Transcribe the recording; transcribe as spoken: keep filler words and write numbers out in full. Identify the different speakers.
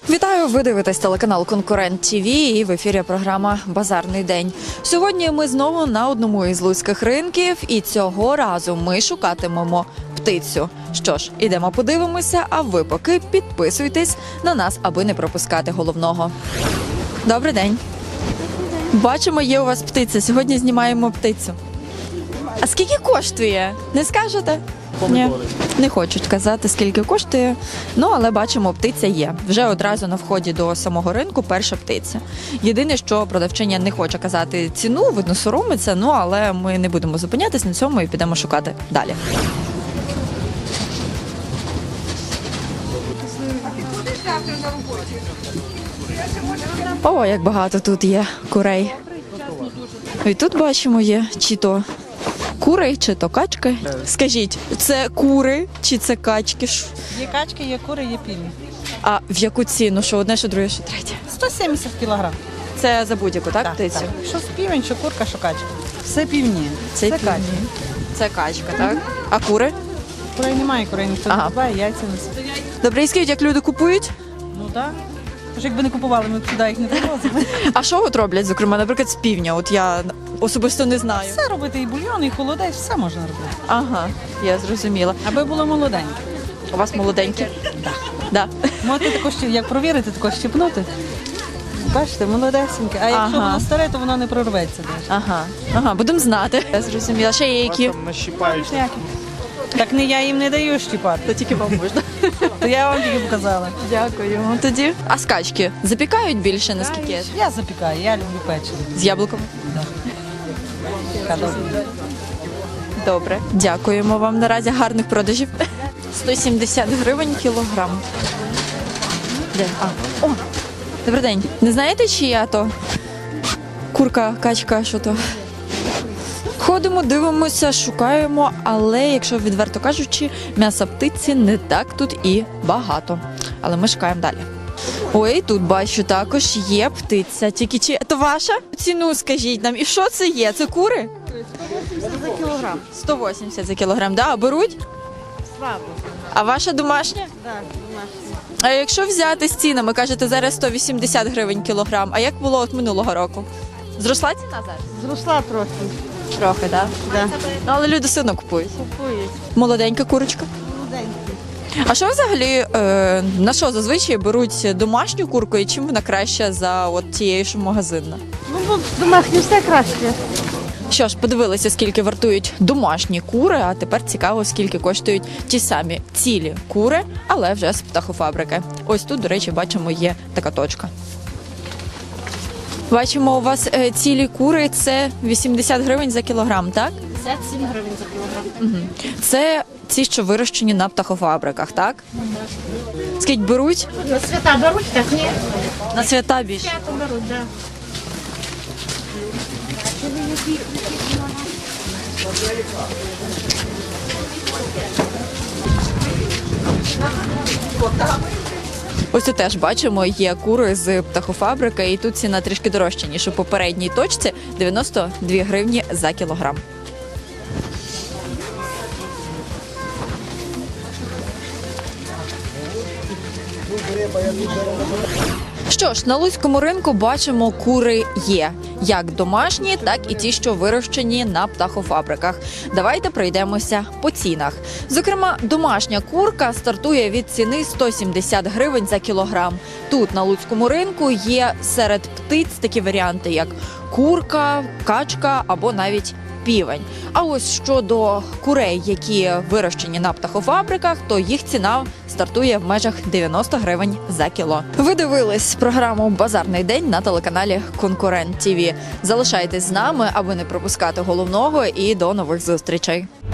Speaker 1: Вітаю! Ви дивитесь телеканал «Конкурент ТВ» і в ефірі програма «Базарний день». Сьогодні ми знову на одному із луцьких ринків і цього разу ми шукатимемо птицю. Що ж, ідемо подивимося, а ви поки підписуйтесь на нас, аби не пропускати головного. Добрий день! Бачимо, є у вас птиця. Сьогодні знімаємо птицю. А скільки коштує? Не скажете? Ні, не хочуть казати, скільки коштує, ну але бачимо, птиця є. Вже одразу на вході до самого ринку перша птиця. Єдине, що продавчиня не хоче казати ціну, видно, соромиться, ну але ми не будемо зупинятись на цьому і підемо шукати далі. О, як багато тут є курей. І тут бачимо є чи то кури, чи то качки. Скажіть, це кури чи це качки?
Speaker 2: Є качки, є кури, є півні.
Speaker 1: А в яку ціну? Що одне, що друге, що третє?
Speaker 2: сто сімдесят кілограм.
Speaker 1: Це за будь-яку, так, птицю?
Speaker 2: Так. Що з півень, що курка, що качка. Все півні.
Speaker 1: Це,
Speaker 2: Це качка.
Speaker 1: Це качка, так? А кури?
Speaker 2: Курей немає, курей ніхто
Speaker 1: Ага.
Speaker 2: не купує, яйця не стоять.
Speaker 1: Добре, і скажіть, як люди купують?
Speaker 2: Ну так. Тож якби не купували, ми б сюди їх не привозили.
Speaker 1: А що от роблять, зокрема, наприклад, з півня? От я особисто не знаю.
Speaker 2: Все робити, і бульйон, і холодець, все можна робити.
Speaker 1: Ага, я зрозуміла.
Speaker 2: Аби було молоденьке.
Speaker 1: У вас молоденькі? Так. Да.
Speaker 2: Можете також, як провірити, також щепнути. Бачите, молодесеньке. А якщо
Speaker 1: Ага.
Speaker 2: воно старе, то воно не прорветься. навіть.
Speaker 1: Ага, ага, будемо знати. Я зрозуміла. Ще є які?
Speaker 2: Ніякі. Так не я їм не даю щіпати.
Speaker 1: То тільки вам можна.
Speaker 2: То я вам тільки показала.
Speaker 1: Дякую. Тоді. А скачки запікають більше, наскільки я?
Speaker 2: Я запікаю, я люблю печиво.
Speaker 1: З яблуком?
Speaker 2: Така добра.
Speaker 1: Добре, дякуємо вам наразі. Гарних продажів. сто сімдесят гривень кілограм. Де? А, о, добрий день. Не знаєте, чия то? Курка, качка, що то? Ходимо, дивимося, шукаємо, але, якщо відверто кажучи, м'яса птиці не так тут і багато. Але ми шукаємо далі. Ой, тут бачу, також є птиця. Тільки чи це ваша? Ціну скажіть нам. І що це є? Це кури?
Speaker 2: За кілограм.
Speaker 1: сто вісімдесят за кілограм, да? А беруть?
Speaker 2: Слабо.
Speaker 1: А ваша домашня?
Speaker 2: Так,
Speaker 1: А якщо взяти з цінами, кажете, зараз сто вісімдесят гривень кілограм, а як було от минулого року? Зросла ціна зараз?
Speaker 2: зросла трохи.
Speaker 1: Трохи, так?
Speaker 2: Да.
Speaker 1: Ну, але люди все одно купують.
Speaker 2: Купують.
Speaker 1: Молоденька курочка. А що взагалі, е, на що зазвичай беруть домашню курку і чим вона краща за от тією, що магазинна?
Speaker 2: Ну, бо домашні все краще.
Speaker 1: Що ж, подивилися, скільки вартують домашні кури, а тепер цікаво, скільки коштують ті самі цілі кури, але вже з птахофабрики. Ось тут, до речі, бачимо, є така точка. Бачимо, у вас е, цілі кури – це вісімдесят гривень за кілограм, так?
Speaker 3: п'ятдесят сім гривень за кілограм.
Speaker 1: Угу. Це ті, що вирощені на птахофабриках, так? Скільки беруть?
Speaker 3: На свята беруть, так ні.
Speaker 1: На свята більше.
Speaker 3: Свято беруть, так.
Speaker 1: Ось тут теж бачимо, є кури з птахофабрики, і тут ціна трішки дорожча, ніж у попередній точці – дев'яносто дві гривні за кілограм. Що ж, на луцькому ринку бачимо, кури є. Як домашні, так і ті, що вирощені на птахофабриках. Давайте пройдемося по цінах. Зокрема, домашня курка стартує від ціни сто сімдесят гривень за кілограм. Тут, на луцькому ринку, є серед птиць такі варіанти, як курка, качка або навіть півень. А ось щодо курей, які вирощені на птахофабриках, то їх ціна стартує в межах дев'яносто гривень за кіло. Ви дивились програму «Базарний день» на телеканалі «Конкурент ТВ». Залишайтесь з нами, аби не пропускати головного, і до нових зустрічей.